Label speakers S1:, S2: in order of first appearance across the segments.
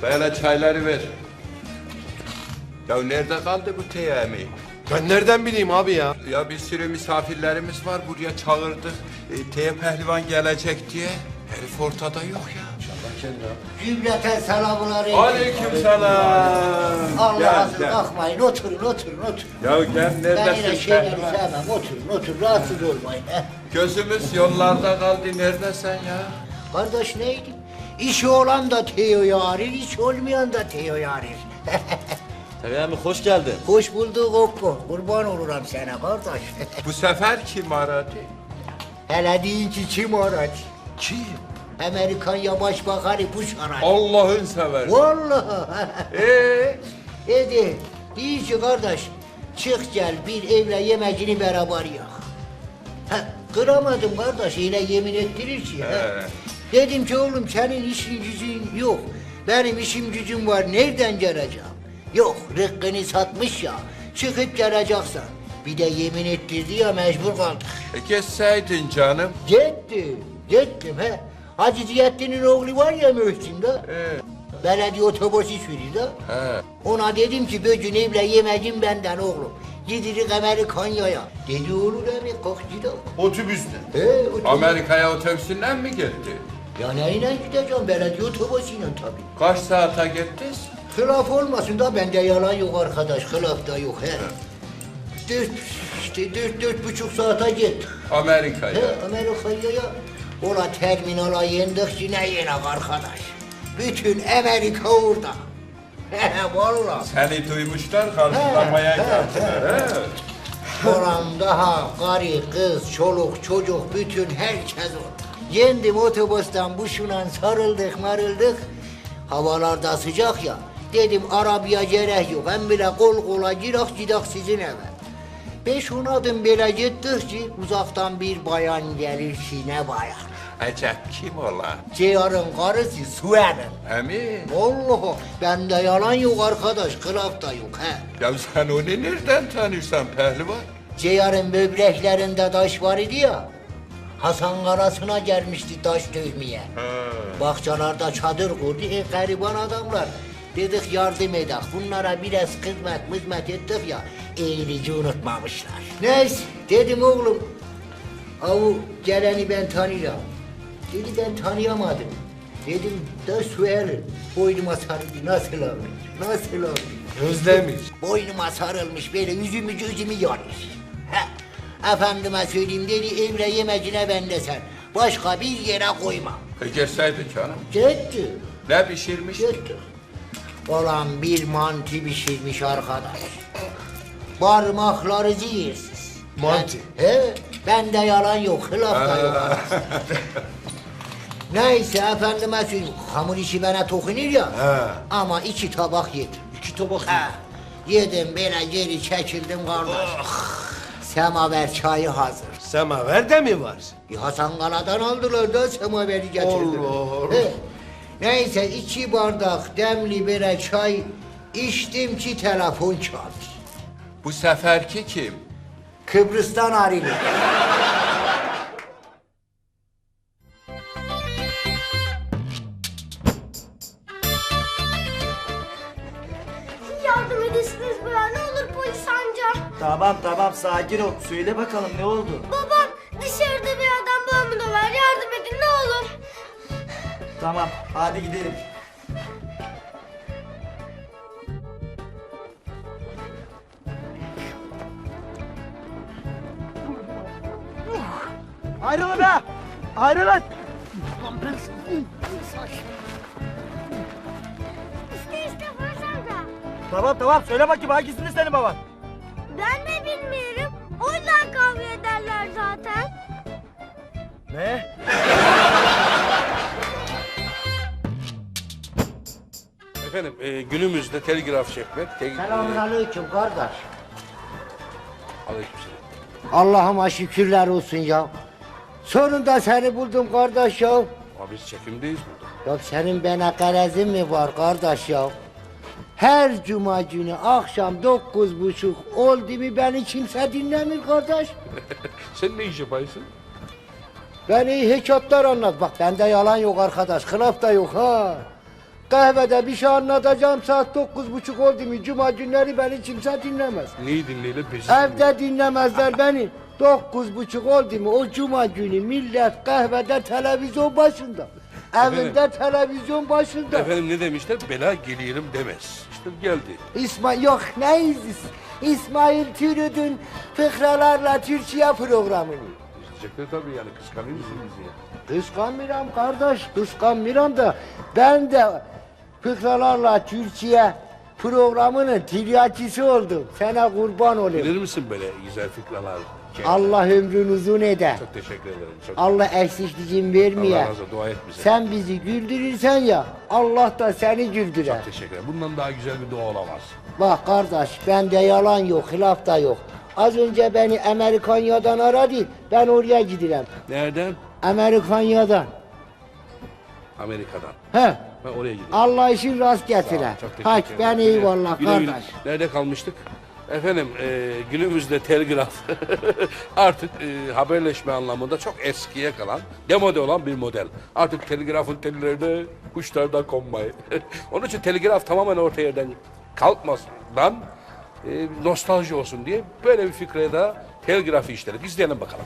S1: Böyle çayları ver. Ya nerede kaldı bu teyami?
S2: Ben nereden bileyim abi ya?
S1: Ya bir sürü misafirlerimiz var buraya çağırdık. Teye pehlivan gelecek diye. Herif ortada yok ya.
S3: Cümleten selamlar.
S1: Aleykümselam.
S3: Allah'a bakmayın, oturun.
S1: Ya gel
S3: Ben
S1: neredesin
S3: yine şeyleri
S1: pehlivan?
S3: sevmem, oturun, rahatsız olmayın.
S1: Gözümüz yollarda kaldı. Neredesin ya?
S3: Kardeş neydi? İşi olan da Teo'yu arir, iş olmayan da Teo'yu arir.
S4: Tabii abi hoş geldin.
S3: Hoş bulduk Okko, kurban olurum sana kardeş.
S1: Bu sefer kim aradı?
S3: Hele deyin ki kim aradı?
S1: Kim?
S3: Amerikan ya Başbakanı Bush aradı.
S1: Allah'ın seversen.
S3: Vallahi. Dedi, deyin ki kardeş, çık gel bir evle yemecini beraber yak. Kıramadım kardeş, yine yemin ettirir ki. Dedim ki oğlum senin işin gücün yok. Benim işim gücüm var, nereden geleceğim? Yok, rıkkını satmış ya, çıkıp geleceksin. Bir de yemin ettirdi ya, mecbur kaldık.
S1: Geçseydin canım.
S3: Gittim he. Hacı Ziyaddin'in oğlu var ya Mühsin'de. Belediye otobüsü sürüyor da. Ona dedim ki bugün evle yemecin benden oğlum. Gidirik Amerikanya'ya. Dedi olur abi kalk gidelim.
S2: Otobüsle.
S3: Otobüs.
S1: Amerika'ya otobüsünden mi gitti?
S3: Ya neyle gideceğim belediye otobüsüyle tabii.
S1: Kaç saate gittiniz?
S3: Hılaf olmasın da bende yalan yok arkadaş. Hılaf da yok he. Dört buçuk saate gittik.
S1: Amerika'ya.
S3: Amerika'ya ola terminala yendik yine arkadaş. Bütün Amerika orada. Vallahi.
S1: Seni duymuşlar, karşılamaya geldiler.
S3: Oram daha karı, kız, çoluk, çocuk bütün herkes orada. Yendim otobüsten buşuna sarıldık marıldık. Havalarda sıcak ya. Dedim arabaya gerek yok. Hem bile kol kola gidak sizin eve. 5-10 adım böyle gittik ki uzaktan bir bayan gelir ki ne bayan.
S1: Acep kim ola?
S3: Ceyar'ın karısı Sue'nin.
S1: Emin.
S3: Vallahi bende yalan yok arkadaş, kılaf da yok he.
S1: Ya sen onu nereden tanırsan pehlivan?
S3: Ceyar'ın böbreklerinde taş var idi ya. Hasan Karası'na gelmişti taş dövmeye. Bahçelerde çadır kurdu, gariban adamlar. Dedik yardım edek, bunlara biraz hizmet ettik ya, iyiliği unutmamışlar. Neyse, dedim oğlum, avu geleni ben tanıyorum. Dedi ben tanıyamadım. Dedim da Suel'in boynuma sarıldı, nasıl olmuş?
S2: Özlemiş.
S3: Boynuma sarılmış, böyle yüzümü gözümü yarır. Efendime söyleyeyim dedi, emre yemecine bende sen. Başka bir yere koyma.
S1: Geçseydin canım.
S3: Gitti.
S1: Ne pişirmiş?
S3: Gitti. Olan bir mantı pişirmiş arkadaş. Parmakları zehirsiz.
S2: Mantı.
S3: Bende yalan yok, hılaf da yok. Neyse efendime söyleyeyim, hamur işi bana dokunuyor ya. Ama 2 tabak yedim.
S2: 2 tabak.
S3: Yedim böyle geri çekildim kardeş. Semaver çayı hazır.
S2: Semaver de mi var?
S3: Hasan Kala'dan aldılar da semaveri getirdiler.
S2: Allah.
S3: Neyse 2 bardak demli böyle çay içtim ki telefon çaldı.
S1: Bu seferki kim?
S3: Kıbrıs'tan arıyor.
S5: Yardım edesiniz bana, ne olur polis amca.
S4: Tamam sakin ol. Söyle bakalım ne oldu?
S5: Babam dışarıda bir adam babamı var, yardım edin ne olur.
S4: Tamam hadi gidelim. Ayrılın be! Ayrılın!
S5: İşte polis amca.
S4: Tamam söyle bakayım hangisini senin baban?
S5: Ben de bilmiyorum. O yüzden kavga ederler zaten.
S4: Ne?
S6: Efendim günümüzde telgraf çekmek...
S3: Selamünaleyküm kardeş.
S6: Aleykümselam.
S3: Allah'ıma şükürler olsun ya. Sonunda seni buldum kardeş ya.
S6: Ama biz çekimdeyiz burada.
S3: Ya senin bana garezin mi var kardeş ya? Her cuma günü akşam 9:30 oldu mu beni kimse dinlemiyor kardeş.
S6: Sen ne iş yapaysın?
S3: Beni hikayetler anlat. Bak bende yalan yok arkadaş. Kılaf da yok ha. kahvede bir şey anlatacağım saat 9:30 oldu mu? Cuma günleri beni kimse dinlemez.
S6: Neyi dinleyelim biz?
S3: Evde dinlemezler beni. 9:30 oldu mu o cuma günü millet kahvede televizyon başında. Evinde televizyon başında.
S6: Efendim ne demişler? Bela gelirim demez. İşte geldi.
S3: İsmail yok neyiz? İsmail Türüdün fıkralarla Türkiye programını.
S6: İzleyecekler tabii yani kıskanıyor musun bizi ya?
S3: Kıskanmıyorum kardeş, kıskanmıyorum da ben de fıkralarla Türkiye programının tiryakisi oldum. Sana kurban olayım.
S6: Bilir misin böyle güzel fikralar?
S3: Allah ömrünü uzun eder.
S6: Çok teşekkür ederim. Çok
S3: Allah eksikliğin vermeye.
S6: Allah razı olsun. Dua et bize.
S3: Sen bizi güldürürsen ya Allah da seni güldürer.
S6: Çok teşekkür ederim. Bundan daha güzel bir dua olamaz.
S3: Bak kardeş bende yalan yok, hilaf da yok. Az önce beni Amerikanya'dan aradı. Ben oraya gidiyorum.
S6: Nereden?
S3: Amerikanya'dan.
S6: Amerika'dan.
S3: He.
S6: Ben oraya gidiyorum.
S3: Allah işin rast
S6: Sağ ol,
S3: getire.
S6: çok teşekkür
S3: Hadi
S6: ederim.
S3: ben eyvallah
S6: Güle güle.
S3: kardeş.
S6: Nerede kalmıştık? Efendim günümüzde telgraf artık haberleşme anlamında çok eskiye kalan, demode olan bir model. Artık telgrafın tellerine kuşlardan konmayı. Onun için telgraf tamamen orta yerden kalkmasından nostalji olsun diye böyle bir fikreye de telgrafı işledik. İzleyelim bakalım.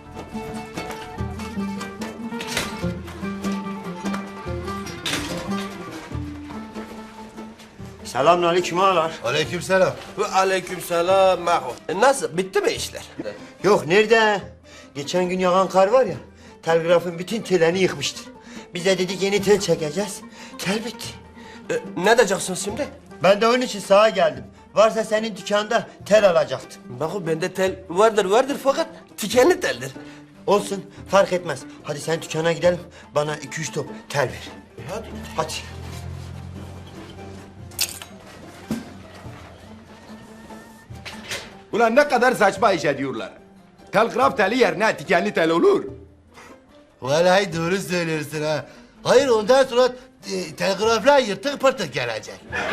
S7: Selamünaleyküm ağalar.
S2: Aleykümselam.
S8: Ve aleykümselam Maho. Nasıl? Bitti mi işler?
S7: Yok nerede? Geçen gün yağan kar var ya, telgrafın bütün tellerini yıkmıştır. Biz de dedik yeni tel çekeceğiz. Tel bitti.
S8: Ne edeceksin şimdi?
S7: Ben de onun için sağa geldim. Varsa senin dükkanda tel alacaktım.
S8: Maho bende tel vardır fakat tikenli teldir.
S7: Olsun fark etmez. Hadi sen dükkana gidelim. Bana 2-3 top tel ver.
S8: Hadi.
S7: Hadi.
S2: Ulan ne kadar saçma iş ediyorlar. Telgraf teli yerine dikenli tel olur.
S9: Vallahi doğru söylüyorsun ha. Hayır ondan sonra telgraflar yırtık pırtık gelecek.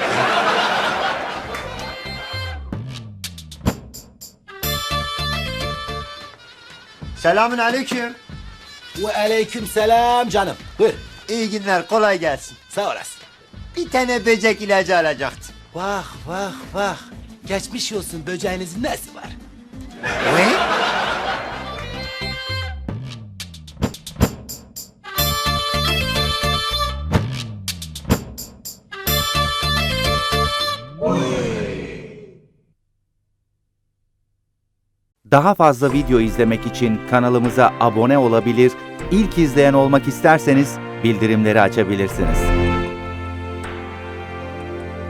S7: Selamünaleyküm.
S9: Ve aleyküm selam canım. Buyur.
S7: İyi günler, kolay gelsin.
S9: Sağ olasın.
S7: Bir tane böcek ilacı alacaktım.
S9: Vah vah vah. Geçmiş olsun böceğinizin nesi var?
S7: Ne?
S10: Daha fazla video izlemek için kanalımıza abone olabilir, ilk izleyen olmak isterseniz bildirimleri açabilirsiniz.